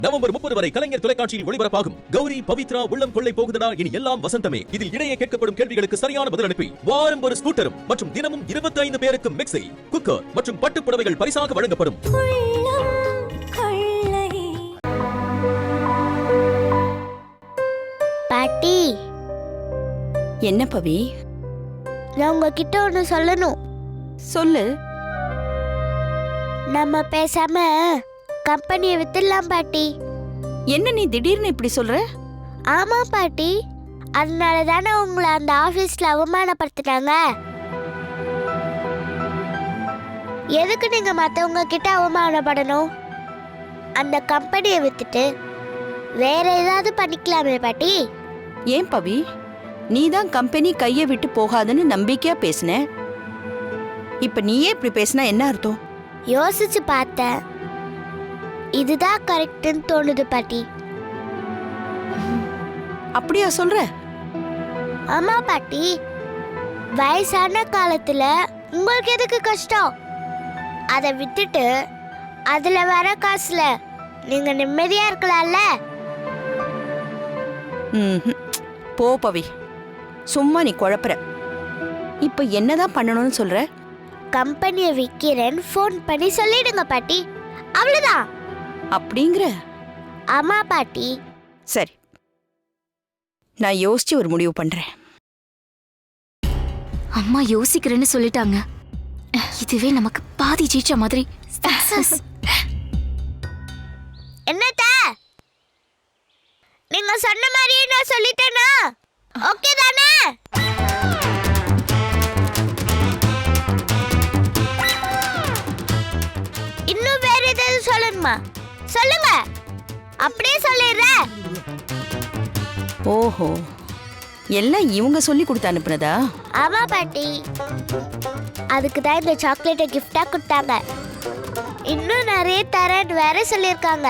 November 30 வரை கலைஞர் தொலைக்காட்சியில் ஒளிபரப்பாகும் கௌரி பவித்ரா உள்ளம் கொள்ளை போகுதடா இனி எல்லாம் வசந்தமே. இதில் இடையே கேட்கப்படும் கேள்விகளுக்கு சரியான பதில் அனுப்பி வாரம் ஒரு ஸ்கூட்டரும் மற்றும் தினமும் 25 பேருக்கு மிக்ஸி, குக்கர் மற்றும் பட்டுப் புடவைகள் பரிசாக வழங்கப்படும். பாட்டி. என்ன பவி? நான் உங்ககிட்ட ஒன்று சொல்லணும். சொல்லு. நம்ம பேசாம கம்பெனியை வித்துடலாம் பாட்டி. என்ன நீ திடீர்னு இப்படி சொல்ற? ஆமா பாட்டி, அதனால தானே உங்களை அந்த ஆபீஸ்ல அவமானப்படுத்தினாங்க. எதுக்கு நீங்க மத்தவங்க கிட்ட அவமானப்படணும்? அந்த கம்பெனியை வித்துட்டு வேற ஏதாவது பண்ணிக்கலாமே பாட்டி. ஏன் பவி, நீ தான் கம்பெனி கையை விட்டு போகாதுன்னு நம்பிக்கையா பேசின. இப்ப நீயே இப்படி பேசினா என்ன அர்த்தம்? யோசிச்சு பார்த்தேன், இதுதான் கரெக்ட்னு தோணுது பாட்டி. அப்படியா சொல்ற? ஆமா பாட்டி, வயசான காலத்துல உங்களுக்கு எதுக்கு கஷ்டம்? அதை விட்டுட்டு அதுல வர காசுல நீங்க நிம்மதியா இருக்கலாம்ல. போ பவி, சும்மா நீ குழப்புற. இப்ப என்னதான் பண்ணணும்னு சொல்ற? கம்பெனியை விற்கிறேன்னு ஃபோன் பண்ணி சொல்லிடுங்க பாட்டி, அவ்வளவுதான். அப்படிங்கிற? ஆமா பாட்டி. சரி, நான் யோசிச்சு ஒரு முடிவு பண்றேன். அம்மா யோசிக்கிறேன்னு சொல்லிட்டாங்க. இதுவே நமக்கு பாதி ஜெயிச்ச மாதிரி. என்னத்த நீங்க சொன்ன மாதிரியே நான் சொல்லிட்டேனா? ஓகே தானே? இன்னும் வேற ஏதாவது சொல்லணுமா? சொல்லுங்க, அப்படியே சொல்லிடுறேன். ஓஹோ, எல்லாம் இவங்க சொல்லி கொடுத்து அனுப்புனதா? ஆமா பாட்டி, அதுக்கு தான் இந்த சாக்லேட்டை கிஃப்டா கொடுத்தாங்க. இன்னும் நிறைய தரேன்னு வேற சொல்லியிருக்காங்க.